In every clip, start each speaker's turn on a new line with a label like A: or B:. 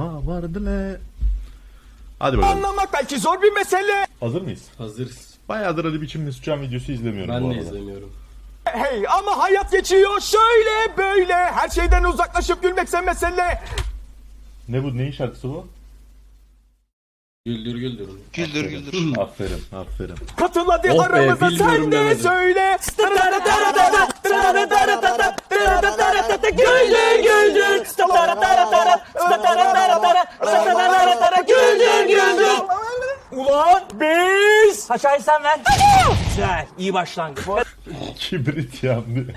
A: Ha vardı ne? Hadi bakalım.
B: Anlamak belki zor bir mesele.
A: Hazır mıyız?
C: Hazırız.
A: Bayağıdır Ali Biçim Mesutcan videosu izlemiyorum bu
C: Ben de
A: arada.
C: izlemiyorum.
B: Hey ama hayat geçiyor şöyle böyle. Her şeyden uzaklaşıp gülmekse mesele.
A: Ne bu? Neyin şarkısı bu?
C: Güldür güldür.
D: Güldür güldür.
A: Aferin, aferin.
B: Katıl hadi
C: Oh be,
B: aramıza sen
C: bilmiyorum
B: de
C: demedim.
B: söyle. Güldür güldür. Güldür güldür. Ulan biz.
E: Aşağıyı sen ver. Güzel, iyi başlangıç.
A: Kibrit yandı.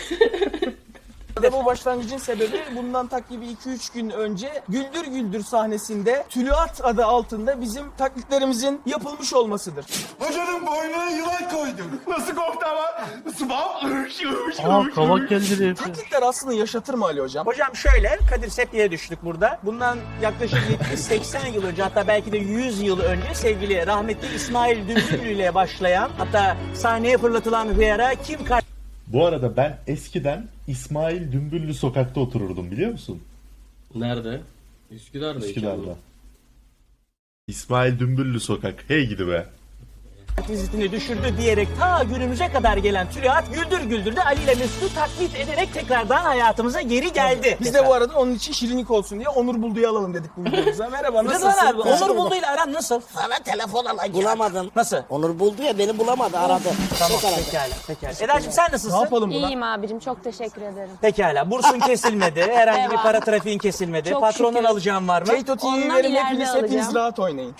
B: Bu başlangıcın sebebi bundan takribi 2-3 gün önce Güldür Güldür sahnesinde Tülüat adı altında bizim taklitlerimizin yapılmış olmasıdır.
D: Hocanın boynuna yılan koydum.
B: Nasıl korktu ama?
F: Kavak geldi.
B: Taklitler aslında yaşatır mı Ali hocam?
E: Hocam şöyle, Kadir Seppi'ye düştük burada. Bundan yaklaşık 70-80 yıl önce, hatta belki de 100 yıl önce sevgili rahmetli İsmail Dümbüllü ile başlayan, hatta sahneye fırlatılan bir ara kim
A: Bu arada ben eskiden İsmail Dümbüllü sokakta otururdum biliyor musun?
C: Nerede? Üsküdar'da.
A: Üsküdar'da. İsmail Dümbüllü sokak. Hey gidi be.
E: vizitini düşürdü diyerek ta günümüze kadar gelen Tülüat Güldür Güldür'de Ali ile Mesut'u taklit ederek tekrardan hayatımıza geri geldi.
B: Biz de bu arada onun için şirinlik olsun diye Onur Buldu'yu alalım dedik bu videomuza. Merhaba nasılsın?
E: Rıdvan abi, Onur Buldu ile aran nasıl?
G: Sana telefon alacağım.
E: Bulamadım. Nasıl?
G: Onur buldu ya beni bulamadı aradı.
E: Tamam,
G: Tek aradı.
E: pekala. Eda'cığım sen
B: Ne
E: nasılsın?
B: yapalım buna?
H: İyiyim abicim, çok teşekkür ederim.
E: Pekala. Bursun kesilmedi. Herhangi bir
H: Devam.
E: para trafiğin kesilmedi.
H: Çok
E: Patrondan
H: şükür.
E: alacağım var mı?
B: Keito TV'yi
H: Ondan
B: verin
H: ileride
B: hepiniz
H: alacağım.
B: rahat oynayın.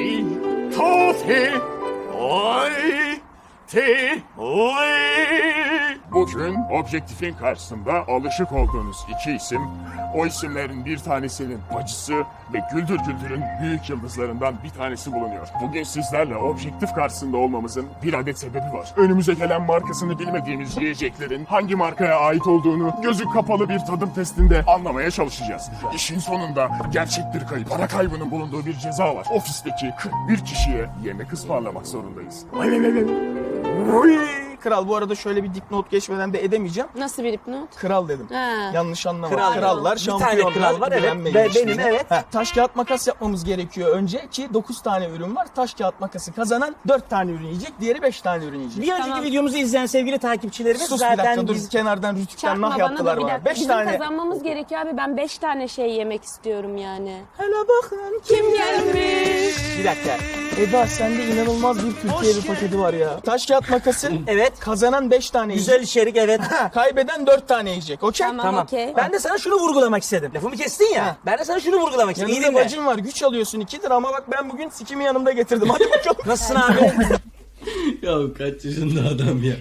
I: Bugün objektifin karşısında alışık olduğunuz iki isim, o isimlerin bir tanesinin bacısı ve Güldür Güldür'ün büyük yıldızlarından bir tanesi bulunuyor. Bugün sizlerle objektif karşısında olmamızın bir adet sebebi var. Önümüze gelen markasını bilmediğimiz yiyeceklerin hangi markaya ait olduğunu gözü kapalı bir tadım testinde anlamaya çalışacağız. İşin sonunda gerçek bir kayıp, para kaybının bulunduğu bir ceza var. Ofisteki 41 kişiye yemek ısmarlamak zorundayız.
B: Kral bu arada şöyle bir dipnot geçmeden de edemeyeceğim.
H: Nasıl bir hipnot?
B: Kral dedim.
H: Ha.
B: Yanlış anlama.
E: Kral.
B: Krallar,
E: Bir tane
B: şampiyonlar.
E: kral var, evet.
B: bilenmeyin
E: Benim,
B: işini.
E: evet.
B: Taş kağıt makas yapmamız gerekiyor önce ki 9 tane ürün var. Taş kağıt makası kazanan 4 tane ürün yiyecek, diğeri 5 tane ürün yiyecek.
E: Bir önceki
H: Tamam.
E: videomuzu izleyen sevgili takipçilerimiz
B: Sus bir
E: zaten
B: dakika dur
E: biz...
B: kenardan rütükten nah
H: Çarpma bana
B: yaptılar
H: da bir
B: bana.
H: dakika.
B: 5
H: Bizim
B: tane.
H: kazanmamız gerekiyor abi. Ben 5 tane şey yemek istiyorum yani.
B: Hele bakın kim gelmiş.
E: Bir dakika.
B: Eda sende inanılmaz bir Türkiye bir paketi var ya. Taş kağıt makası
E: Evet.
B: kazanan 5 tane
E: Güzel
B: yiyecek.
E: içerik, evet.
B: Kaybeden 4 tane yiyecek. Okey?
H: Tamam, okey.
E: Ben de sana şunu vurgulamak istedim. Lafımı kestin ya.
B: Ha.
E: Ben de sana şunu vurgulamak istedim. İyi
B: Yanında
E: dinle.
B: bacın var güç alıyorsun 2'dir ama bak ben bugün sikimi yanımda getirdim. Hadi bakalım.
E: Nasılsın abi?
C: Ya kaç yaşında adam ya.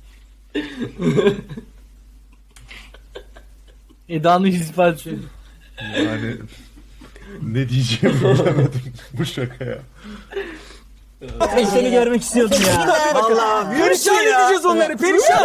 F: Eda'nın hissi.
A: Yani ne diyeceğimi bilemedim bu şakaya.
E: Ben seni görmek istiyordum ya. Vallahi
B: Perişan
E: ya.
B: edeceğiz onları perişan.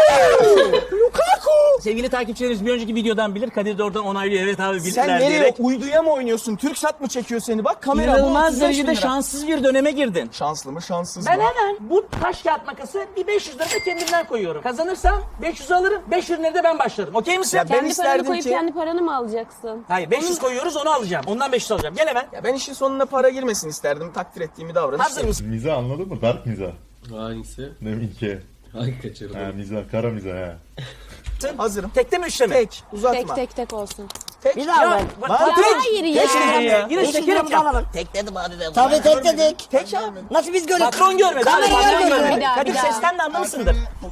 E: Sevgili takipçilerimiz bir önceki videodan bilir. Kadir de oradan onaylıyor. Evet abi bildiler
B: Sen nereye
E: diyerek.
B: uyduya mı oynuyorsun? Türksat mı çekiyor seni? Bak kamera bu
E: İnanılmaz
B: 35 bin
E: derecede
B: lira.
E: şanssız bir döneme girdin.
B: Şanslı mı şanssız
E: Ben
B: mı?
E: hemen bu taş kağıt makası bir 500 lira da kendimden koyuyorum. Kazanırsam 500 alırım. 5 ürünleri de ben başlarım. Okey misin?
B: Ya ben
H: Kendi paranı
B: isterdim
H: koyup
B: ki-
H: kendi paranı mı alacaksın?
E: Hayır 500 koyuyoruz onu alacağım. Ondan 500 alacağım. Gel hemen.
B: Ya ben işin sonuna para girmesin isterdim. Takdir ettiğimi davranış.
E: Hazır mısın?
A: Miza anladın mı? Dark miza.
C: Hangisi?
A: Ne minke.
C: Hangi kaçırdı?
A: Ha miza, kara miza ha.
B: Hazırım.
E: Tekte mi üçte mi?
B: Tek. Uzatma.
H: Tek olsun.
B: Tek.
G: Bir daha ver.
E: Bak,
B: Lan
E: bak,
B: tek.
H: Hayır ya.
E: Yine
G: Beş
E: şekerim
G: liramızı
E: yap.
G: alalım.
D: Tek dedim hadi dedim.
G: Tabii tek dedik.
B: Tek abi.
G: Nasıl biz gördük?
E: Patron görmedi.
G: Kamera
E: Patron
G: görmedi.
H: Bir daha,
E: Kadir
H: bir daha.
E: sesten de anlamışsındır.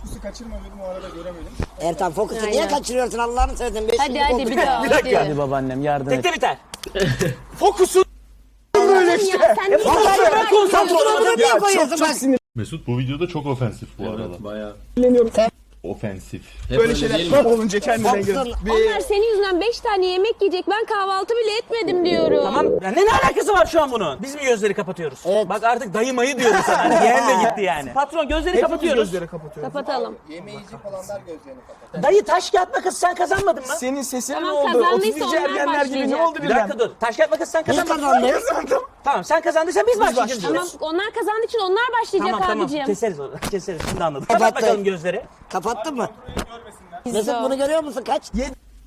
G: Ertan fokusu niye
H: Aynen.
G: kaçırıyorsun Allah'ını seversen?
H: Hadi bir daha.
E: Bir dakika.
H: Hadi.
F: Babaannem yardım et.
E: Tekte biter.
B: Fokusun. Böyle işte.
H: Sen niye
E: Ben konsantre olamadım.
G: Niye koyuyorsun bak?
A: Mesut bu videoda çok ofensif bu arada.
C: Evet bayağı.
A: Ofensif.
C: Hep
B: Böyle
C: öyle
B: şeyler
C: değil mi?
B: olunca kendine gir.
G: Fokusun.
H: Onlar senin yüzünden 5 tane yemek yiyecek. Ben kahvaltı bile etmedim diyorum.
E: Tamam. Ya ne alakası var şu an bunun? Biz mi gözleri kapatıyoruz?
G: Evet.
E: Bak artık dayı mayı diyoruz sana. Yeğen de gitti yani. Patron gözleri
B: Hepimiz
E: kapatıyoruz.
B: gözleri kapatıyoruz.
H: Kapatalım.
E: Dayı taş kağıt makas sen kazanmadın mı?
B: Senin sesin
H: Tamam,
B: ne oldu?
H: kazandıysa
B: 31
H: onlar
B: ergenler gibi ne
H: başlayacak.
B: oldu
E: Bir
B: birden?
E: dakika dur. Taş kağıt makas sen
G: Biz
E: kazanmadın.
G: kazandık.
E: Tamam sen kazandıysan biz başlayacağız.
H: Tamam,
E: diyoruz.
H: onlar kazandığı için onlar başlayacak
E: Tamam
H: abicim.
E: keseriz onu. Keseriz şimdi anladım. Kapat
G: Kapattı.
E: bakalım gözleri.
G: Kapattın mı?
H: Biz
G: Mesut
H: de o.
G: bunu görüyor musun? Kaç?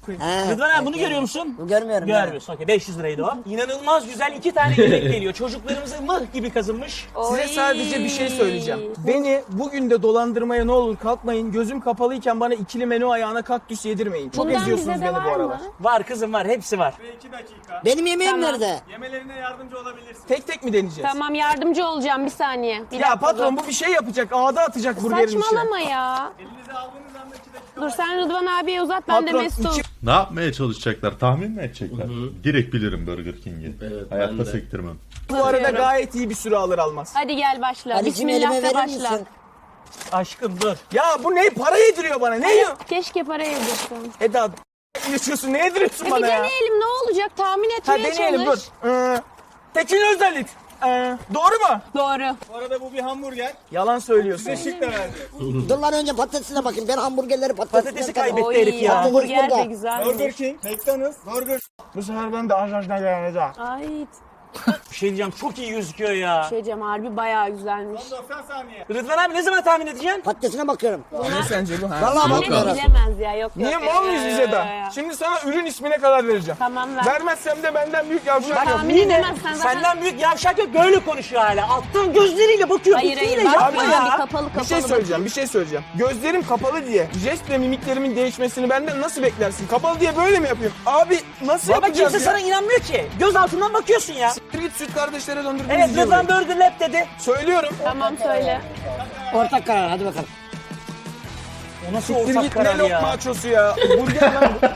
B: koyayım.
G: He.
E: Rıdvan abi bunu görüyor musun?
G: Görmüyorum.
E: Görmüyorsun. Okey 500 liraydı o. İnanılmaz güzel 2 tane yemek geliyor. Çocuklarımıza mıh gibi kazınmış.
B: Size sadece bir şey söyleyeceğim. Beni bugün de dolandırmaya ne olur kalkmayın. Gözüm kapalıyken bana ikili menü ayağına kaktüs yedirmeyin. Çok
H: Bundan
B: eziyorsunuz
H: bize de
B: beni bu
H: var
B: aralar.
H: mı?
E: Var kızım var hepsi var.
G: Benim yemeğim nerede?
B: Tek tek mi deneyeceğiz?
H: Tamam yardımcı olacağım bir saniye. Bir
B: Ya
H: dakika,
B: patron
H: dur.
B: bu bir şey yapacak. Ağda atacak burgerin içine.
H: Saçmalama ya. Dur sen Rıdvan abiye uzat ben de
B: Patron,
H: Mesut.
B: iki-
A: Ne yapmaya çalışacaklar? Tahmin mi edecekler? Direkt bilirim Burger King'i.
C: Evet,
A: Hayatta
C: ben de.
A: sektirmem.
B: Bu arada gayet iyi bir süre alır almaz.
H: Hadi gel başla.
G: Ali'cim
H: Bismillah
G: elime
H: de
G: verir
H: başla.
G: misin?
E: Aşkım dur.
B: Ya bu ne? Para yediriyor bana. Ne yiyor?
H: Keşke para yedirsin.
B: Eda yaşıyorsun. Ne yediriyorsun
H: Bir
B: bana ya?
H: deneyelim ne olacak tahmin
B: Ha
H: etmeye
B: deneyelim dur.
H: çalış.
B: Tekin Özdalit. Doğru mu?
H: Doğru.
B: Yalan söylüyorsun.
G: Dur lan önce patatesine bakayım. Ben hamburgerleri
E: Patatesi kaybetti
H: Oy,
E: herif ya.
H: hamburger de
G: burada.
H: güzelmiş.
B: King, McDonald's, Burger. Bu sefer ben de ajajdan geleceğim.
H: Ay
E: Bir şey diyeceğim çok iyi gözüküyor ya.
H: şey diyeceğim harbi bayağı güzelmiş.
E: Rıdvan abi ne zaman tahmin edeceksin?
G: Patatesine bakıyorum.
B: Ne sence bu ha?
G: Vallahi
H: Anne
G: bakmıyorum.
H: bilemez ya yok
B: Niye
H: yok.
B: mal mıyız
H: Yok,
B: bize
H: yok,
B: de?
H: yok.
B: Şimdi sana ürün ismine kadar vereceğim.
H: Tamam ver.
B: Vermezsem de benden büyük yavşak yok.
H: Tahmin
E: Yine
H: edemezsen zaten.
E: senden büyük yavşak yok böyle konuşuyor hala. Alttan gözleriyle bakıyor.
H: Hayır
E: fikriyle
H: hayır
E: yapma
H: bakma ya.
E: ya.
H: Bir kapalı
B: Bir şey söyleyeceğim, bir şey söyleyeceğim. Gözlerim kapalı diye jest ve mimiklerimin değişmesini benden nasıl beklersin? Kapalı diye böyle mi yapayım? Abi nasıl
E: Baba
B: yapacağız
E: kimse
B: ya?
E: sana inanmıyor ki. Göz altından bakıyorsun ya.
B: Siktir git süt kardeşlere döndürdünüz
E: Evet
B: diye
E: Rıdvan
B: böyle.
E: Burger Lab dedi.
B: Söylüyorum.
H: Tamam söyle.
G: Ortak karar hadi bakalım.
E: O nasıl
B: Siktir
E: ortak
B: git ne
E: karar
B: lokma
E: ya?
B: açosu ya. Burger lan bu.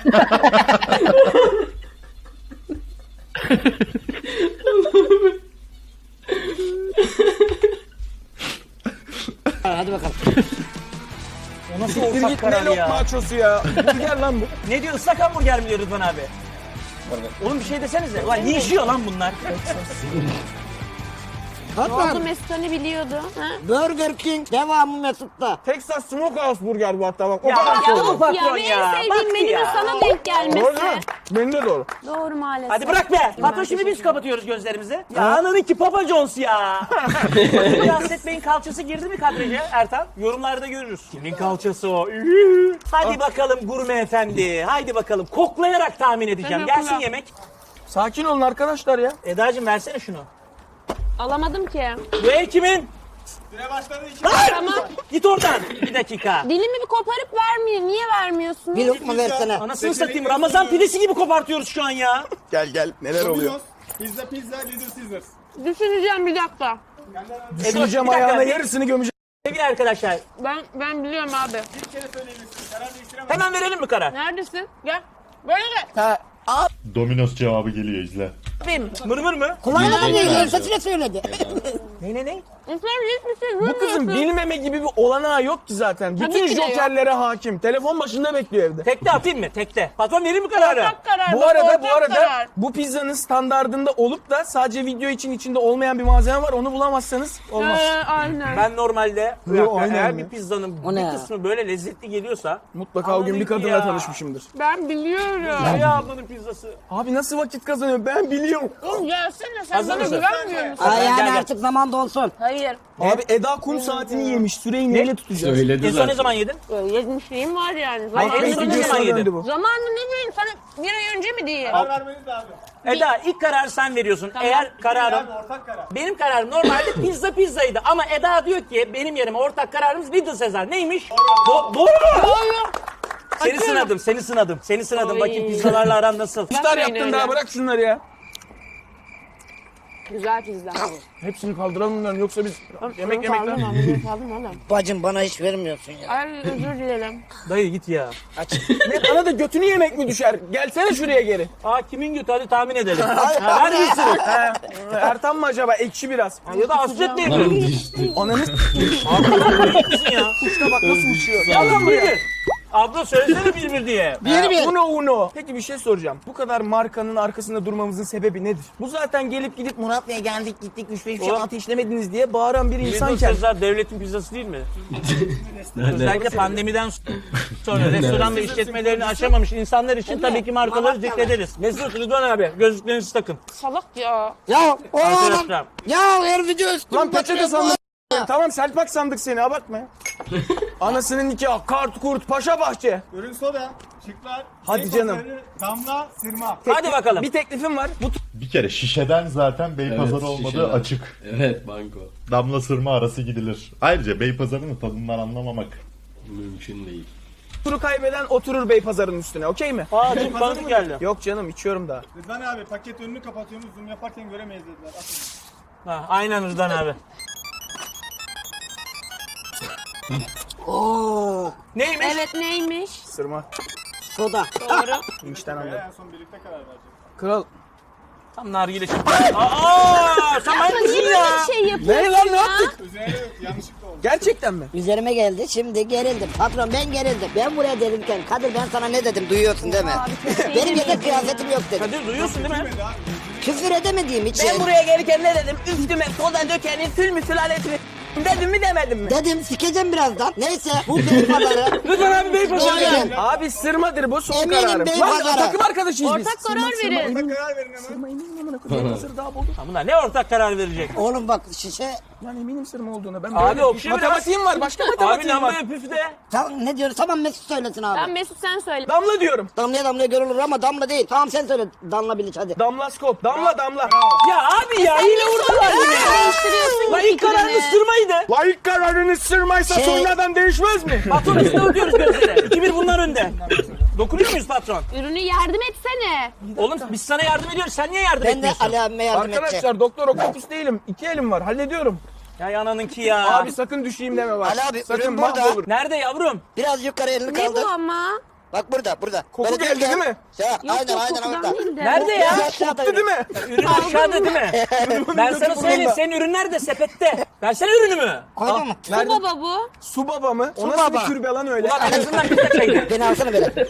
G: Hadi bakalım.
E: O nasıl
B: Siktir
E: ortak
B: git ne
E: karar
B: lokma
E: ya?
B: açosu ya. Burger lan bu.
E: Ne diyor ıslak hamburger mi diyor Rıdvan abi? Oğlum bir şey desenize. Ulan yiyişiyor lan bunlar.
H: Ne oldu
G: Hatta
H: Mesut hani biliyordu? Ha?
G: Burger King devamı Mesut'ta.
B: Texas Smokehouse Burger bu hatta bak. O
E: Ya,
B: kadar
E: ya,
B: söylüyorum.
E: bu patron
H: ya,
E: ya.
H: benim
E: Bak
H: sevdiğim menünün
E: ya.
H: sana denk
B: Doğru
H: gelmesi.
B: mu? Benim de doğru.
H: Doğru maalesef.
E: Hadi bırak be. Patron şimdi biz kapatıyoruz gözlerimizi. Ya ananınki Papa John's ya. Siyaset Bey'in kalçası girdi mi kadraja Ertan? Yorumlarda görürüz. Kimin kalçası o? Ühü. Hadi bakalım gurme efendi. Haydi bakalım. Koklayarak tahmin edeceğim.
H: Tamam,
E: Gelsin
H: kulak.
E: yemek.
B: Sakin olun arkadaşlar ya.
E: Eda'cığım versene şunu.
H: Alamadım ki.
E: Bu ev kimin?
H: Tamam.
E: Git oradan. Bir dakika.
H: Dilimi bir koparıp vermiyor. Niye vermiyorsun?
G: Bir lokma versene.
E: Anasını satayım. Ramazan pidesi gibi kopartıyoruz şu an ya.
B: Gel neler oluyor?
H: Düşüneceğim bir dakika.
B: Düşüneceğim
E: Bir dakika.
B: ayağına yarısını gömeceğim.
E: Sevgili arkadaşlar.
H: Ben biliyorum abi.
E: Hemen verelim mi karar?
H: Neredesin? Gel. Böyle gel.
A: Domino's cevabı geliyor izle.
E: Benim. Mırmır mı?
G: Kulağına da değil, sesine söyledi.
E: Ne?
H: Sen hiçbir şey
B: Bu kızın bilmeme gibi bir olanağı yok ki zaten.
H: Tabii
B: Bütün
H: ki de yok.
B: jokerlere hakim. Telefon başında bekliyor evde.
E: Tekte atayım mı? Tekte. Patron verir mi kararı?
H: Ortak karar.
B: Bu
H: bak,
B: arada
H: ortak karar.
B: bu pizzanın standardında olup da sadece video için içinde olmayan bir malzeme var. Onu bulamazsanız olmaz.
H: Aynen.
E: Ben normalde bir
B: Yo,
E: dakika,
B: aynen
E: eğer
B: ya.
E: bir pizzanın
G: O
E: bir
G: ne ya?
E: kısmı böyle lezzetli geliyorsa
B: Mutlaka o gün bir
E: Anladık
B: kadınla
E: ya.
B: tanışmışımdır.
H: Ben biliyorum.
E: ya ablanın pizzası.
B: Abi nasıl vakit kazanıyor ben biliyorum.
H: Oğlum gelsene sen
E: Hazır
H: bana
E: mısın?
H: güvenmiyor musun?
G: Ay yani
E: gel.
G: artık zaman dolsun.
H: Hayır.
B: Abi Eda kum saatini yemiş. Süreyi neyle tutacağız?
C: Söyledi
E: En son ne
C: zaten.
E: zaman yedin?
H: Yedmişliğim var yani.
E: Ay, en
H: Zamanında
E: son ne
H: ne
E: zaman
H: bileyim.
E: yedin?
B: bu.
H: Zamanında ne bileyim sana bir ay önce mi diye.
E: Eda ilk kararı sen veriyorsun.
H: Tamam.
E: Eğer kararım benim kararım normalde pizzaydı ama Eda diyor ki benim yerime ortak kararımız Little Caesar. Neymiş? Doğru mu? Seni sınadım.
H: Oy.
E: Bakayım pizzalarla aran nasıl?
B: İftar
H: Bakmayın
B: yaptın
H: öyle.
B: daha bırak şunları ya.
H: Güzel pizza.
B: Hepsini kaldıralım bunların yoksa biz yemek
H: Kaldım
B: lan.
H: oğlum.
G: Bacım bana hiç vermiyorsun ya.
H: Ay özür dilerim.
E: Dayı git ya.
B: Ne bana da götünü yemek mi düşer? Gelsene şuraya geri.
E: Aa kimin götü hadi tahmin edelim. Ha, ver gitsin.
B: Ertan mı acaba? Ekşi biraz.
E: Ya da hasret değil
C: Lan
E: mi?
C: düştü.
B: Ananı
E: Kızın ya.
B: s***a bak nasıl uçuyor.
E: Ya lan bir. Abla söylesene bir diye.
G: Bir.
B: Uno. Peki bir şey soracağım. Bu kadar markanın arkasında durmamızın sebebi nedir? Bu zaten gelip gidip Murat Bey'e geldik gittik 3-5 şey
E: Oğlum.
B: ateşlemediniz diye bağıran bir
E: Little
B: insanken.
E: Caesar devletin pizzası değil mi? Özellikle pandemiden sonra restoran ve işletmelerini açamamış insanlar için tabii ki markaları zikrederiz. Mesut, Rıdvan abi gözlüklerinizi takın.
H: Salak ya.
G: Ya o adam.
E: Arkadaşlar.
G: Ya her video üstüme
B: Lan peçete sandım. Tamam Selpak sandık seni abartma ya. Anasının nikahı, kart kurt, paşa bahçe.
J: Ürün soda, şıklar,
B: Hadi canım.
J: damla, sırma.
E: Hadi bakalım.
B: Bir teklifim var. Bu
A: Bir kere şişeden zaten Beypazarı
C: Evet,
A: olmadığı
C: şişeden.
A: açık.
C: Evet banko.
A: Damla sırma arası gidilir. Ayrıca Beypazarı'nın tadından anlamamak.
C: Mümkün değil.
B: turu kaybeden oturur Beypazarı'nın üstüne, okey mi?
E: Aa çok tanıdık geldi.
B: Yok canım, içiyorum daha.
J: Rıdvan abi paket önünü kapatıyorsunuz, zoom yaparken göremeyiz dediler. Atın.
E: Ha, aynen Rıdvan abi.
G: Oo,
E: Neymiş?
H: Evet neymiş?
B: Sırma.
G: soda.
H: Doğru.
B: İçten anladım.
J: En son birlikte karar vereceğiz.
B: Kral.
E: Tam nargile çıktı. Aa, sen manyak mısın
H: Niye
E: ya?
H: böyle bir şey yapıyorsun
B: Ne lan, ne
H: ya?
B: yaptık?
J: Üzerine yok, yanlışlıkla oldu.
B: Gerçekten mi?
G: Üzerime geldi şimdi gerildim. Patron ben gerildim. Ben buraya gelirken Kadir ben sana ne dedim duyuyorsun değil mi? Benim yedek kıyafetim yok dedim.
E: Kadir duyuyorsun değil mi?
G: Küfür edemediğim için.
B: Ben buraya gelirken ne dedim? Üstüme soda dökenin sül mü sülalesini dedim mi demedim mi?
G: Dedim sikeceğim birazdan. Neyse bu Beypazarı.
B: Lütfen abi Beypazarı.
G: Eminim.
B: Abi sırmadır bu, son
G: Eminim
B: kararım.
G: Beypazarı.
B: Lan takım arkadaşıyız biz.
H: Ortak karar verin.
J: Ortak karar verin hemen.
B: Sırma eminim amına koyayım. Beypazarı daha buldu.
E: Ha, bunlar ne ortak karar verecek?
G: Oğlum bak şişe.
B: Lan eminim sırma olduğuna. Ben
E: Abi
B: böyle
E: okşa biraz.
B: matematiğim var. Başka
E: Abi
B: matematiğim var.
E: lambaya püf de.
G: Tamam ne diyoruz? Tamam Mesut söylesin abi.
H: Ben Mesut sen söyle.
B: Damla diyorum.
G: Damlaya damlaya görülür ama damla değil. Tamam sen söyle. Damla Bilic hadi.
B: Damlaskop. Damla damla.
E: Ya abi ya yine vurdular yine.
H: Değiştiriyorsun
E: Lan ilk kararını
H: fikrini.
E: sırmaydı.
B: La ilk kararınız sırmaysa
G: Şey-
B: sonradan değişmez mi?
E: Patron üstüne ötüyoruz gözleri. 2-1 bunlar önde. Dokunuyor muyuz patron?
H: Ürünü yardım etsene.
E: Oğlum biz sana yardım ediyoruz. Sen niye yardım
G: Ben de
E: etmiyorsun?
G: Ali abime yardım edeceğim.
B: Arkadaşlar doktor okopus değilim. 2 elim var. Hallediyorum.
E: Ya ananınki ya.
B: Abi sakın düşeyim deme bak.
G: Ali abi,
B: sakın
G: ürün burada.
B: mahvolur.
E: Nerede yavrum?
G: Biraz yukarı elini
H: Ne
G: kaldır.
H: bu ama?
G: Bak burada burada.
B: Koku
G: Böyle
B: geldi değil mi?
G: Ya,
H: Yok
G: aynen
H: yok
G: aynen
H: kokudan
G: orada.
H: değil de.
E: Nerede ya?
B: Koptu değil mi?
E: Ürün aşağıda değil mi? Ben sana söyleyeyim senin ürün nerede? Sepette. Versene ürünümü.
G: Koydun mu?
H: Bu baba bu.
B: Su baba mı? O
G: Su
B: nasıl
G: baba.
B: bir türbe lan öyle?
E: Ulan en azından bir kaçaydı.
G: Beni alsana böyle.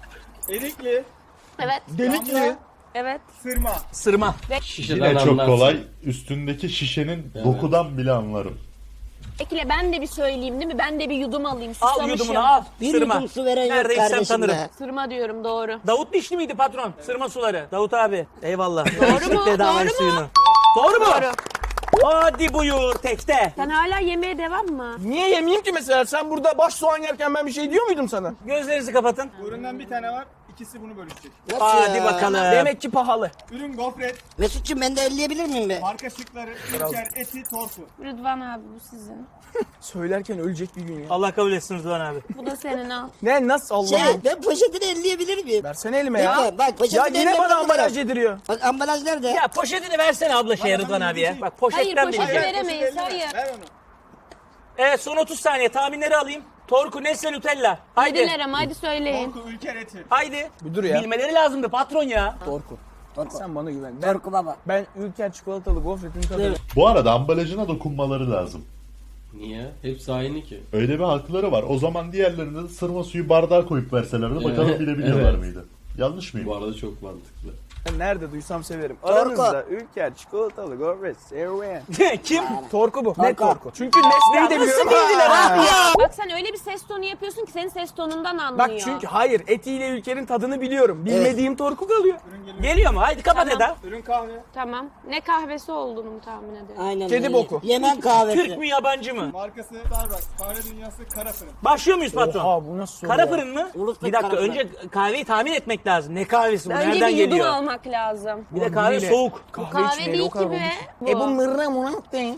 J: Erikli,
H: Evet.
B: Delik mi?
H: Evet.
J: sırma.
E: Sırma.
C: Şişeden
A: Yine çok
C: anlarsın.
A: kolay. Üstündeki şişenin dokudan bile anlarım.
H: Ekle ben de bir söyleyeyim değil mi? Ben de bir yudum alayım.
E: Al
H: Susamışım.
E: yudumunu al.
G: Bir
E: Sırma.
G: yudum su veren yok
E: Neredeyse
G: kardeşim
E: tanırım.
G: be.
H: Sırma diyorum doğru.
E: Davut Dişli miydi patron? Sırma suları. Davut abi. Eyvallah.
H: Doğru mu?
E: Bedava
H: Doğru mu?
E: suyunu. Doğru mu?
H: Doğru.
E: Hadi buyur tekte.
H: Sen hala yemeğe devam mı?
B: Niye yemeyeyim ki mesela? Sen burada baş soğan yerken ben bir şey diyor muydum sana?
E: Gözlerinizi kapatın.
J: Bu üründen bir tane var, ikisi bunu bölüşecek.
G: Nasıl
E: Hadi
G: ya?
E: bakalım.
B: Demek ki pahalı.
J: Ürün gofret,
G: Mesut'cum ben de elleyebilir miyim be?
J: marka şıkları, ülker, eti, torku.
H: Rıdvan abi bu sizin.
B: Söylerken ölecek bir gün ya.
E: Allah kabul etsin Rıdvan abi.
H: Bu da senin al.
B: Ne nasıl Allah'ım?
G: Şey ben poşetini elleyebilir miyim?
B: Versene elime ya.
G: Lütfen, bak, poşeti
B: Ya
G: ben
B: yine bana
G: elleyebilirim.
B: ambalaj yediriyor.
G: Bak ambalaj nerede?
E: Ya poşetini versene abla şeye Rıdvan abiye. Bak
H: Hayır
E: poşetten
H: poşeti
E: bilecek.
H: veremeyiz. Hayır.
J: Ver onu.
E: Evet son 30 saniye tahminleri alayım. Torku, Nesle, Nutella. Haydi.
H: Dediler ama hadi söyleyin.
J: Torku, ülker, eti.
E: Haydi.
B: Bir dur ya.
E: Bilmeleri lazımdı patron ya.
B: Torku.
G: Torku.
B: Sen bana güven. Ben,
G: Torku baba.
B: ben Ülker çikolatalı gofretin tadını.
A: Bu arada ambalajına dokunmaları lazım.
C: Niye? Hepsi aynı ki.
A: Öyle bir hakları var. O zaman diğerlerinde sırma suyu bardağa koyup verselerdi bakalım
C: Evet,
A: bilebiliyorlar
C: evet.
A: mıydı? Yanlış mıyım?
C: Bu arada çok mantıklı.
B: Ben nerede duysam severim.
G: Torku.
B: Aranızda Ülker çikolatalı gofret serüven.
E: Kim?
B: Torku bu. Ne
G: Torku.
B: torku? Çünkü Nesli'yi de
E: nasıl
B: biliyorum.
E: bildiler abi ya?
H: Bak sen öyle bir ses tonu yapıyorsun ki senin ses tonundan anlıyor.
B: Bak çünkü hayır etiyle Ülker'in tadını biliyorum. Bilmediğim torku kalıyor.
E: Geliyor mu? Haydi kapat Eda.
J: Ürün kahve,
H: Tamam. Ne kahvesi olduğunu mu tahmin ederim.
G: Aynen
B: Kedi
G: öyle.
B: boku.
G: Yemen kahvesi.
E: Türk mü yabancı mı?
J: markası Starbucks, kahve dünyası, kara fırın.
E: Başlıyor muyuz patron?
B: Oha bu nasıl soru
E: Kara
B: ya?
E: fırın mı?
G: Ulus'ta
E: Bir dakika
G: kara fırın.
E: önce kahveyi tahmin etmek lazım. Ne kahvesi bu?
H: Önce
E: Nereden
H: bir yudum
E: geliyor?
H: almak lazım.
E: Bir de kahve
B: Neyle?
E: soğuk.
H: Kahve
B: içmeyle
H: değil
B: o kadar
H: ki be.
B: olmuş. E bu mırra murat değil.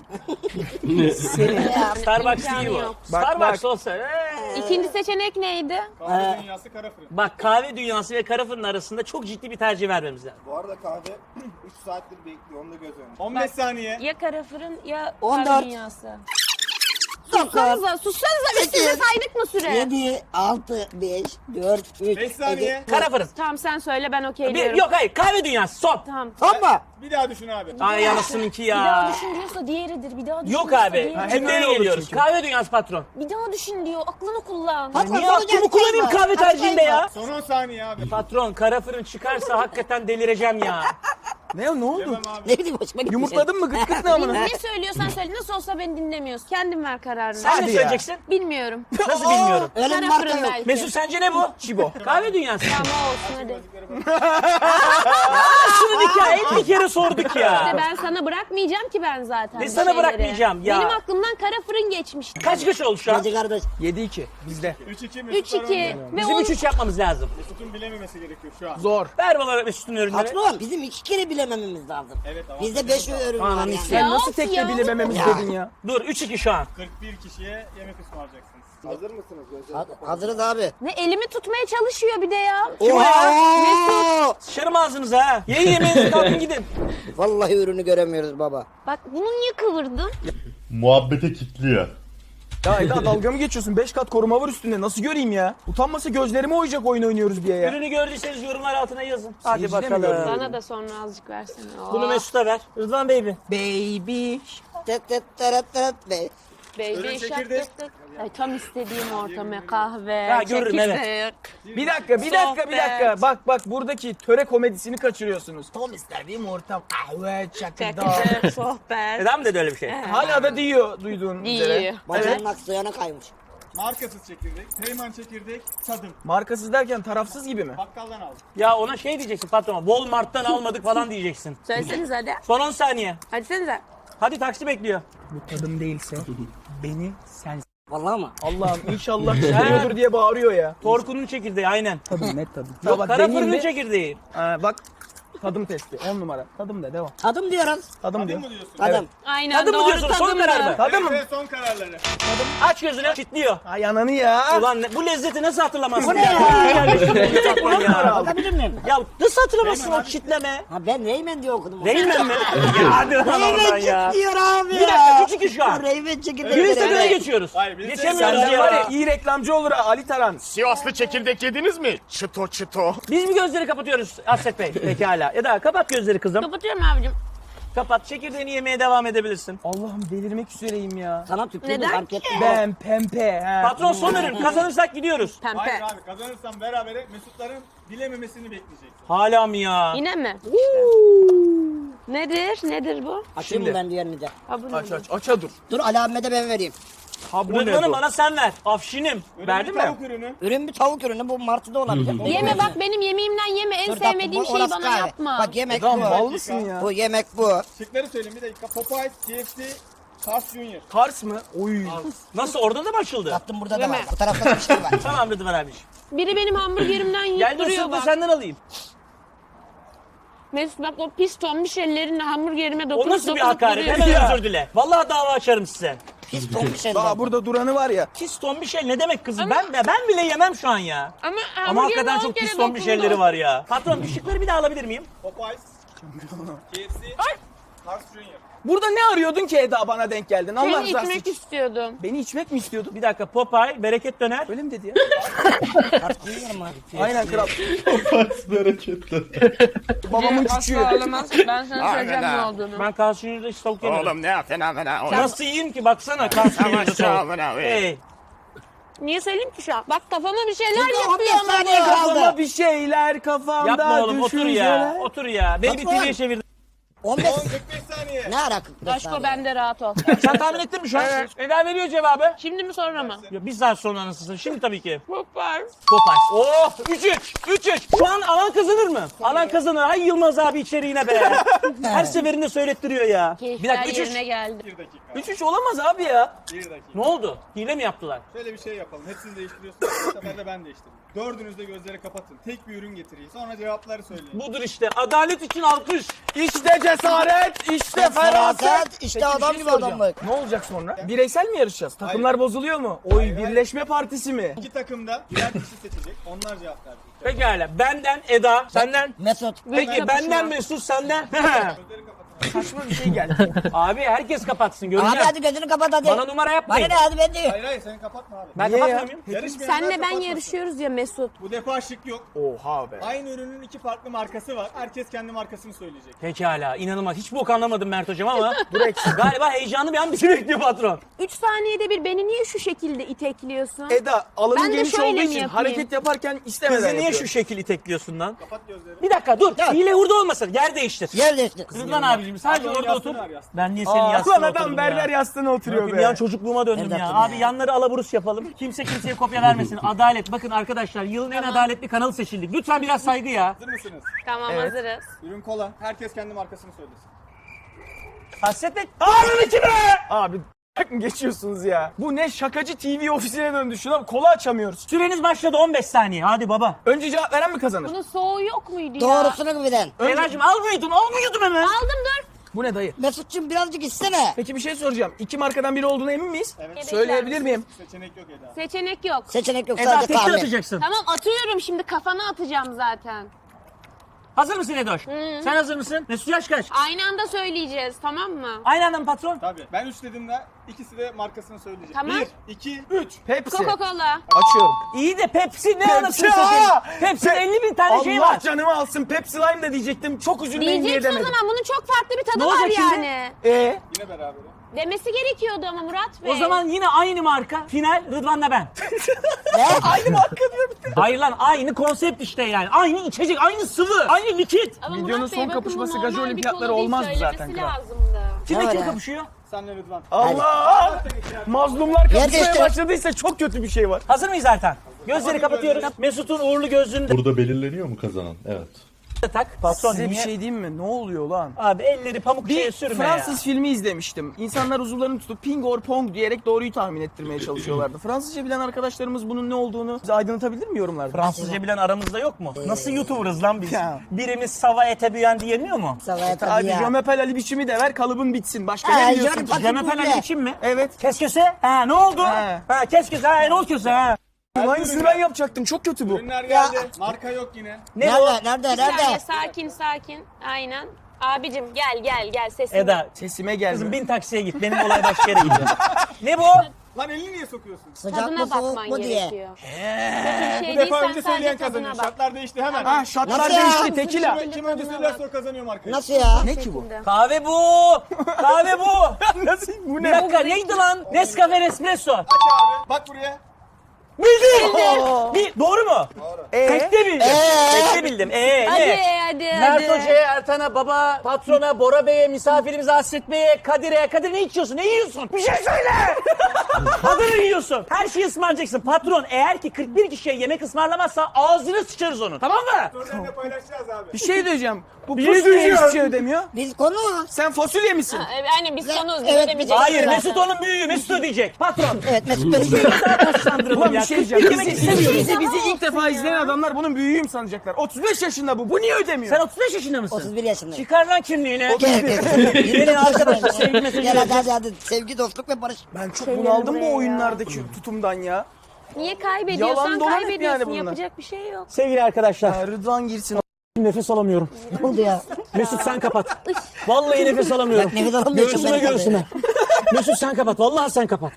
E: Starbucks
H: İmkanı
E: değil bu.
H: yok.
B: Bak,
E: Starbucks
B: bak.
E: olsa.
H: İkinci seçenek neydi?
J: Kahve dünyası, kara fırın.
E: Bak kahve dünyası ve kara fırın arasında çok ciddi bir tercih vermemiz lazım.
D: Bu arada kahve 3 saattir bekliyor. Onu da göz önünde.
J: 15 saniye.
H: Ya kara fırın ya
G: 14.
H: kahve dünyası.
G: 9,
H: Sussanıza biz size saydık mı süre?
G: 7, 6, 5, 4, 3,
J: 5 saniye.
E: Kara fırın.
H: Tamam sen söyle ben
E: Bir,
H: okeyliyorum.
E: yok hayır kahve dünyası son.
H: Tamam.
G: Tamam.
J: Bir daha düşün abi.
E: Ay anasınınki
H: Bir daha
E: ya.
H: düşün diyorsa diğeridir. Bir daha düşün
E: Yok
H: diyorsa
E: abi.
H: diğeridir.
B: hep
E: Cümleye
B: öyle olur
E: geliyoruz.
B: çünkü.
E: Kahve dünyası patron.
H: Bir daha düşün diyor. Aklını kullan.
G: Patron,
E: Niye
G: sonra
E: aklımı
G: gel,
E: kullanayım
G: sayma.
E: kahve
G: Hadi
E: tercihinde
G: sayma.
E: ya?
J: Son 10 saniye abi.
E: Patron kara fırın çıkarsa hakikaten delireceğim ya.
B: Ne oldu?
J: Yemem abi.
G: Ne bileyim hoşuma gitti.
B: Yumurtladın mı? Gıt gıt ne amına?
H: Ne söylüyorsan söyle. Nasıl olsa beni dinlemiyorsun. Kendin ver kararını.
E: Sen
B: Hadi
E: ne
B: ya.
E: söyleyeceksin?
H: Bilmiyorum.
E: Nasıl bilmiyorum.
G: Öyle bir
H: Kara
G: marka
H: fırın
G: yok.
H: belki.
E: Mesut sence ne bu?
B: Çibo.
E: Kahve dünyası.
H: Tamam olsun hadi.
E: Şunu hikaye 50 kere sorduk ya.
H: İşte ben sana bırakmayacağım ki ben zaten.
E: Ne
H: bu
E: sana
H: şeyleri.
E: bırakmayacağım ya?
H: Benim aklımdan kara fırın geçmişti.
E: Kaç oldu şu an?
G: Hacı kardeş.
B: 7-2 bizde.
J: 3-2 Mesutlar
H: 3-2
J: önde.
H: ve
E: Bizim 3-3 yapmamız lazım.
J: Mesut'un bilememesi gerekiyor şu an.
B: Zor.
E: Ver bana Mesut'un ürünleri.
G: Patron bizim 2 kere bilemememiz lazım.
J: Evet ama
G: Bizde 5 ürün var
E: Ananı
G: yani.
E: sikeyim.
B: Sen nasıl
H: of
B: tekte
H: ya.
B: bilemememiz
G: Ya.
B: dedin ya?
E: Dur 3-2 şu an.
J: 41 kişiye yemek ısmarlayacaksınız.
D: Hazır mısınız? Gözleri kapalı.
G: Hazırız abi.
H: Ne elimi tutmaya çalışıyor bir de ya.
G: Oha!
E: Sıçarım ağzınıza ha. Yiyin yemeğinizi kalkın gidin.
G: Vallahi ürünü göremiyoruz baba.
H: Bak bunu niye kıvırdın?
A: Muhabbete kitliyor.
B: Ya Eda dalga mı geçiyorsun? 5 kat koruma var üstünde. Nasıl göreyim ya? Utanmasa gözlerime oyacak oyun oynuyoruz diye ya.
E: Ürünü gördüyseniz yorumlar altına yazın. Hadi
B: Seyirci de mi
E: bakalım.
B: gördü?
H: Bana da sonra azıcık versene.
E: Bunu Mesut'a ver. Rıdvan baby.
B: Baby.
G: Tet tet teret teret be.
H: Baby
J: Ürün
H: shark
J: çekirdek.
H: tık tık. Ay, tam istediğim ortama kahve,
E: Ha, görürüm, evet.
H: çekirdek.
B: Bir dakika.
H: Sohbet.
B: Bak buradaki töre komedisini kaçırıyorsunuz. Tom istediğim ortam kahve, çakırda.
H: Çekirdek, sohbet.
E: Neden mi dedi öyle bir şey?
B: Hala da diyor duyduğun üzere.
H: İyi.
G: Bacağının aksı yana kaymış.
J: Markasız çekirdek, Teyman çekirdek, tadım.
B: Markasız derken tarafsız gibi mi?
J: Bakkaldan aldım.
E: Ya ona şey diyeceksin patrona. Walmart'tan almadık falan diyeceksin.
H: Söyleseniz hadi.
E: Son 10 saniye.
H: Hadi senize.
E: Hadi taksi bekliyor.
B: Bu tadım değilse beni sen...
G: Vallahi mı?
B: Allah'ım inşallah çekiyordur diye bağırıyor ya.
E: Torkunun çekirdeği aynen.
B: Tadım net tadım.
E: Yok,
B: bak,
E: kara
B: deneyeyim
E: fırının
B: mi?
E: çekirdeği.
B: Bak tadım testi 10 numara. Tadım da devam.
G: Tadım diyoruz.
B: Tadım diyor.
J: Mı diyorsun?
G: Tadım.
H: Aynen
E: Tadım mı
H: doğru
E: diyorsun? Son
H: tadımdı.
E: karar mı?
B: Tadım mı?
J: Ve son kararları.
E: Aç gözünü. Kitliyor.
B: Ay ananı ya.
E: Ulan bu lezzeti nasıl hatırlamazsın?
G: Bu ne ya?
E: ya?
G: Bakabilir miyim?
E: Ya nasıl hatırlamazsın o çitleme?
G: Ha ben Reymen diye okudum.
E: Reymen mi? Ya hadi lan oradan
G: Reymen
E: ya.
G: diyor abi
E: Bir dakika 3-2 şu an.
G: Reymen çekirdeği.
E: Bir istediğine geçiyoruz.
J: Hayır, biz de-
E: Geçemiyoruz
B: Senden var ya
E: ya.
B: iyi reklamcı olur ha Ali Taran.
I: Sivaslı çekirdek yediniz mi? Çıto çıto.
E: Biz mi gözleri kapatıyoruz Asret Bey? Pekala. Eda kapat gözleri kızım.
H: Kapatıyorum abicim.
E: Kapat. Çekirdeğini yemeye devam edebilirsin.
B: Allah'ım delirmek üzereyim ya.
G: Sana tükürdüm
H: Neden
G: fark
H: ki?
G: ettim.
B: Ben pempe. He.
E: Patron son ürün. Kazanırsak gidiyoruz.
J: Hayır
H: Pempe.
J: abi kazanırsam berabere Mesutların bilememesini bekleyeceksin.
E: Hala mı ya?
H: Yine mi? Nedir? Nedir bu?
G: Açayım mı
B: Şimdi.
G: ben diğerini de?
H: Ha, bu
B: Aç
H: ne?
B: aça dur.
G: Dur Ali abime de ben vereyim.
B: Ha bu ne
E: Rıdvan'ı
B: bu?
E: bana sen ver. Afşinim. Verdin mi?
J: Tavuk ürünü.
G: Ürün bir tavuk ürünü bu martıda olabilir.
H: Yeme bak benim yemeğimden yeme. En
G: Dur, tatlım,
H: sevmediğim
G: bu
H: şeyi
G: orası
H: bana
G: kahve.
H: yapma.
G: Bak yemek
B: Adam
G: bu.
B: mal mısın ya?
G: Bu yemek bu.
J: Şıkları söyleyeyim bir dakika. Popeyes, KFC, Carl's Jr.
B: Kars mı? Oy.
E: Nasıl? Orada da mı açıldı?
G: Tatlım burada da
H: Yeme.
G: var. Bu tarafta da bir şey var.
E: Tamam Rıdvan abi.
H: Biri benim hamburgerimden yiyip
E: Gel de
H: duruyor
E: ısıt da
H: bak.
E: senden alayım.
H: Mesut bak o pis tombiş ellerinle hamburgerime
E: O
H: dokunup
E: nasıl bir
H: dokunup
E: hakaret?
H: duruyor.
E: Hemen
B: Ya.
E: özür dile. Vallahi dava açarım size.
G: Pis ton bir şey
B: Daha
G: var.
B: burada duranı var ya.
E: Pis ton bir şey ne demek kızım? Ben bile yemem şu an ya.
H: Ama
E: Ama
H: hamburgerime
E: hakikaten
H: 10
E: çok
H: kere
E: pis ton bir
H: dokundu.
E: şeyleri var ya. Patron ışıkları bir daha alabilir miyim?
J: Popeyes, KFC, Carl's Jr.
B: Burada ne arıyordun ki Eda bana denk geldin? Allah
H: Seni
B: rızası
H: içmek
B: için.
H: istiyordum.
B: Beni içmek mi istiyordun?
E: Bir dakika Popeye, bereket döner.
B: Öyle mi dedi ya?
G: Tartmıyorum abi.
B: Aynen kral.
A: Bereketli.
B: Babamın
H: Asla
B: küçüğü.
H: olamaz. Ben sana söyleyeceğim ne olduğunu.
E: Ben karşınızda hiç tavuk yemedim.
I: Oğlum ne fena.
E: Nasıl yiyeyim ki baksana karşınızda tavuk. Hey.
H: Niye söyleyeyim ki şu an? Bak kafama bir şeyler
G: Çünkü 15
H: yapıyor ama
G: saniye
H: bu.
G: kaldı.
B: Kafama bir şeyler kafamda
E: Yapma oğlum otur ya.
B: düşünceler.
E: Otur ya. Baby
G: Patron.
E: TV'ye çevirdim.
G: 15
J: 45 saniye.
G: ne ara 45
H: Aşko
G: saniye?
H: bende rahat ol.
E: Sen tahmin ettin mi şu an? Eda veriyor cevabı.
H: Şimdi mi sonra mı?
E: Ya bir saat sonra anasını. Şimdi tabii ki.
H: Popeyes.
E: Popeyes. Oh 3-3. 3-3. Şu an alan kazanır mı? Alan kazanır. Ay Yılmaz abi içeriğine be. Her seferinde söylettiriyor ya. Bir
H: Keyifler
E: dakika 3-3.
H: yerine geldi.
J: 1 dakika.
B: 3-3 olamaz abi ya.
J: 1 dakika.
E: Ne oldu? Hile mi yaptılar?
J: Şöyle bir şey yapalım. Hepsini değiştiriyorsunuz. Bu sefer de ben değiştireyim. Dördünüz de gözleri kapatın. Tek bir ürün getireyim. Sonra cevapları söyleyin.
E: Budur işte. Adalet için alkış.
B: İşte cesaret, işte feraset.
G: Feraset, işte
B: Peki, bir
G: adam
B: şey
G: gibi
B: soracağım.
G: adamlık.
B: Ne olacak sonra? Bireysel mi yarışacağız? Takımlar bozuluyor mu? Oy
J: Hayır, hayır.
B: birleşme partisi mi?
J: İki takım da birer kişi seçecek. Onlar cevap verecek.
E: Pekala. Benden Eda. Senden.
G: Mesut.
E: Peki
H: kapışma.
E: benden Mesut senden.
J: Gözleri kapatın.
B: saçma bir şey geldi.
E: Abi herkes kapatsın
G: Abi
E: göreceğim.
G: hadi gözünü kapat hadi.
E: Bana numara
G: Bana
E: yapmayın.
G: ne hadi ben diyor.
J: Hayır hayır sen kapatma abi.
E: Ben
B: Niye
E: kapatmıyor
B: ya?
E: muyum?
J: Yarışmayanlar
H: Senle ben
J: kapatmasın.
H: yarışıyoruz ya Mesut.
J: Bu defa şık yok.
B: Oha be.
J: Aynı ürünün iki farklı markası var. Herkes kendi markasını söyleyecek.
E: Pekala inanılmaz. Hiç bok anlamadım Mert hocam ama galiba heyecanlı bir an bizi bekliyor patron.
H: 3 saniyede bir beni niye şu şekilde itekliyorsun?
B: Eda alanın
H: Ben de
B: geniş
H: şöyle
B: olduğu
H: mi
B: için
H: yapayım?
B: hareket yaparken istemeden
E: Kızı niye
B: yapıyor.
E: şu şekil itekliyorsun lan?
J: Kapat gözlerini.
E: Bir dakika dur. Hile hurda olmasın. Yer değiştir.
G: Yer değişti.
E: Rıdvan abicim sadece
J: Abi,
E: orada
J: yastığını
E: otur.
J: ver, yastığını.
E: Ben niye senin
B: Aa,
E: yastığına
B: ulan
E: oturdum
B: adam berber
E: ya?
B: yastığına oturuyor
E: Bir
B: be.
E: an çocukluğuma döndüm
G: Evlat
E: ya.
G: gibi
E: Abi
G: ya.
E: yanları alaburus yapalım. Kimse kimseye kopya vermesin. Adalet. Bakın arkadaşlar yılın en adaletli kanalı seçildik. Lütfen biraz saygı ya.
J: Hazır mısınız?
H: Tamam
B: Evet.
H: hazırız.
J: Ürün kola. Herkes kendi markasını söylesin.
E: Hasret et. Ağrın içime!
B: Abi mı geçiyorsunuz ya? Bu ne şakacı TV ofisine döndü. Şuna kola açamıyoruz.
E: Süreniz başladı 15 saniye. Hadi baba.
B: Önce cevap veren mi kazanır?
H: Bunun soğuğu yok muydu ya?
G: Doğrusunu bilen.
E: Elacığım almıyordum hemen.
H: Aldım dur.
B: Bu ne dayı?
G: Mesut'cum birazcık istene.
B: Peki bir şey soracağım. İki markadan biri olduğuna emin miyiz?
J: Evet.
B: Söyleyebilir miyim?
J: Seçenek yok Eda.
H: Seçenek yok.
G: Seçenek yok
E: Eda
G: sadece
E: tekrar
G: tahmin.
E: atacaksın.
H: Tamam atıyorum şimdi kafana atacağım zaten.
E: Hazır mısın Edoş? Sen hazır mısın? Mesut yaş kaç?
H: Aynı anda söyleyeceğiz tamam mı?
E: Aynı anda mı patron?
J: Tabii. Ben 3 dediğimde ikisi de markasını söyleyecek.
H: Tamam.
J: 1, 2, 3.
B: Pepsi.
H: Coca-Cola.
B: Açıyorum.
E: İyi de Pepsi ne anasını
B: Pepsi,
E: satayım?
B: aa!
E: Pepsi'nin 50 bin tane şey
B: Allah
E: var.
B: canımı alsın. Pepsi Lime de diyecektim. Çok üzülmeyin diye
H: Diyeceksin o
B: demedim.
H: zaman bunun çok farklı bir tadı
E: Ne
H: var
E: olacak şimdi?
H: yani.
J: Yine beraber.
H: Demesi gerekiyordu ama Murat Bey.
E: O zaman yine aynı marka. Final Rıdvan'la ben.
B: Aynı marka diyor bir de.
E: Hayır lan aynı konsept işte yani. Aynı içecek, aynı sıvı, aynı likit.
H: Ama
B: Videonun
H: Murat Bey,
B: son
H: bakın
B: kapışması
H: bu
B: Gazi
H: normal bir
B: Olimpiyatları
H: konu değil,
B: olmazdı zaten
H: söylemesi
B: kral.
H: lazımdı.
E: Kimle
G: Ne var
E: kim
G: ya?
E: kapışıyor?
J: Senle Rıdvan.
B: Allah! Mazlumlar kapışmaya
G: değiştir.
B: başladıysa çok kötü bir şey var.
E: Hazır mıyız Ertan? Gözleri kapatıyoruz. Mesut'un uğurlu gözlüğünü de
A: Burada belirleniyor mu kazanan? Evet.
E: tak. Patron
B: Size bir
E: niye?
B: şey diyeyim mi? Ne oluyor lan?
E: Abi elleri pamuk şeye
B: Bir
E: sürme
B: Fransız filmi izlemiştim. İnsanlar uzuvlarını tutup ping or pong diyerek doğruyu tahmin ettirmeye çalışıyorlardı. Fransızca bilen arkadaşlarımız bunun ne olduğunu bize aydınlatabilir mi yorumlarda?
E: Fransızca bilen aramızda yok mu? Nasıl YouTuber'ız lan biz?
B: Ya.
E: Birimiz sava ete büyen diyemiyor mu?
G: Savaya tabii
B: Hadi
G: ya.
B: Jomepel Ali biçimi de ver kalıbın bitsin. Başka
G: Ha,
B: ne biliyorsun?
G: Jomepel-
E: Cemepel Ali için mi?
B: Evet.
E: Kes köse? Ha ne oldu?
B: He.
E: Ha kes köse. Ha ne oldu köse? Ha.
B: Aynısını ben yapacaktım. Çok kötü bu.
J: Ürünler geldi. Marka yok yine.
E: Ne bu?
G: Nerede?
H: Bir saniye
G: Nerede?
H: sakin. Aynen. Abicim gel sesime.
E: Eda
B: Sesime
E: kızım
B: gelme.
E: bin taksiye git. Benim olay başka yere gidiyor. Ne bu?
J: Lan elini niye sokuyorsun?
G: Sıcak mı
H: Tadına
G: soğuk
H: bakman
G: mu diye.
H: gerekiyor. Bir şey
J: Bu
H: değil
J: defa
H: sen
J: önce
H: sadece
J: söyleyen
H: tadına
J: kazanıyor.
H: bak.
J: Şartlar değişti hemen.
B: Ha şartlar
G: Nasıl ya?
B: değişti. Tekila.
J: Kim önce söylerse o kazanıyor markayı.
G: Nasıl ya?
B: Ne ki bu?
E: Kahve bu. Kahve bu.
B: Nasıl? Bu
E: Bir
B: ne?
E: dakika neydi lan? Nescafe Espresso.
J: Aç abi. Bak buraya.
E: Bildim. Doğru mu?
B: Ee?
E: Tekte bildim. Tekte bildim.
H: Hadi.
E: Mert Hoca'ya, Ertan'a, baba, patrona, Bora Bey'e, misafirimize, Hasret Bey'e, Kadir'e. Kadir ne içiyorsun? Ne yiyorsun? Bir şey söyle! Adını yiyorsun. Her şeyi ısmarlayacaksın. Patron eğer ki 41 kişiye yemek ısmarlamazsa ağzını sıçarız onun. Tamam mı?
J: Sorularını paylaşacağız abi.
B: Bir şey diyeceğim. Bu
E: Bir şey
B: pusu niye
E: diyeceğim.
B: hiçbir şey ödemiyor?
G: Biz konu.
B: Sen fasulye misin?
H: Aynen biz sonuz
G: Evet,
H: ödemeyeceğiz.
E: Hayır
G: Zaten.
E: Mesut onun büyüğü. Mesut ödeyecek. Patron.
G: Evet Mesut benim.
E: Taşlandıralım
B: Ulan
E: ya.
B: bir şey diyeceğim.
E: Yemek istemiyoruz.
B: Bizi ilk defa izleyen adamlar bunun büyüğüyüm sanacaklar. 35 yaşında bu. Bu niye ödemiyor?
E: Sen 35 yaşında mısın?
G: 31 yaşındayım.
E: Çıkar lan kimliğini.
G: Benim
E: arkadaşlar, sevgi mesajı
G: Gel hadi. Sevgi, dostluk ve barış.
B: Ben çok bunaldım bu oyunlardaki tutumdan ya.
H: Niye kaybediyorsan
B: Yalan dolan hep
H: kaybediyorsun.
B: yani bunlar.
H: Yapacak bir şey yok.
E: Sevgili arkadaşlar.
B: Ha, Rıdvan girsin.
E: Nefes alamıyorum.
G: Ne oldu ya?
E: Mesut sen kapat. Vallahi nefes alamıyorum.
G: Bak, nefes alamıyorum,
E: Göğsüme
G: ben
E: göğsüme. Mesut sen kapat. Vallahi sen kapat.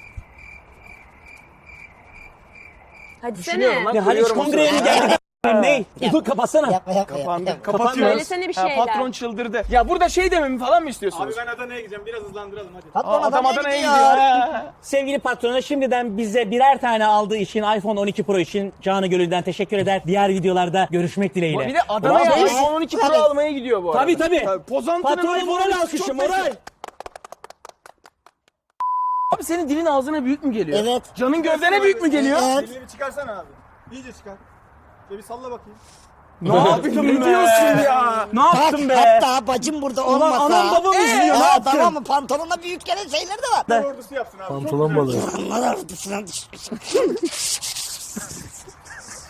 H: Hadi
B: Düşünüyorum
H: sene.
B: lan.
E: Ne Haliç
B: Duyuyorum o
E: Kongre'ye mi
B: sırada.
E: geldik? Ne? Dur kapatsana.
G: Yapma.
B: Kapandı. Kapatıyoruz.
H: Söylesene bir
B: Ha,
H: şeyler.
B: patron çıldırdı. Ya burada şey dememi falan mı istiyorsunuz?
J: Abi ben Adana'ya gideceğim. Biraz hızlandıralım hadi.
G: Patron
B: Adam
G: Adana'ya
B: Adana'ya
G: gidiyor.
B: gidiyor. Ha.
E: Sevgili patrona şimdiden bize birer tane aldığı için iPhone 12 Pro için canı gönülden teşekkür eder. Diğer videolarda görüşmek dileğiyle.
B: Bir de Adana'ya
G: Vallahi-
B: iPhone 12 Pro
G: Tabii.
B: almaya gidiyor bu arada.
E: Tabii.
B: Pozantının
E: Patrona
B: iPhone
E: moral
B: 12
E: alkışı
B: çok
E: moral.
B: meşhur. Abi senin dilin ağzına büyük mü geliyor?
G: Evet.
B: Canın gövdene büyük mü geliyor?
G: Evet.
J: Elini bir çıkarsana abi. İyice çıkar. Bir salla bakayım.
B: Ne yaptın ne diyorsun ya?
E: Ne
G: Bak
E: yaptın be?
G: hatta bacım burada olmasa.
E: anam babam izliyor, ne yaptın?
G: Tamam mı? Pantolonla büyük gelen şeyler de var.
J: Ordusu yapsın abi.
F: Pantolon balığı.
G: Onlar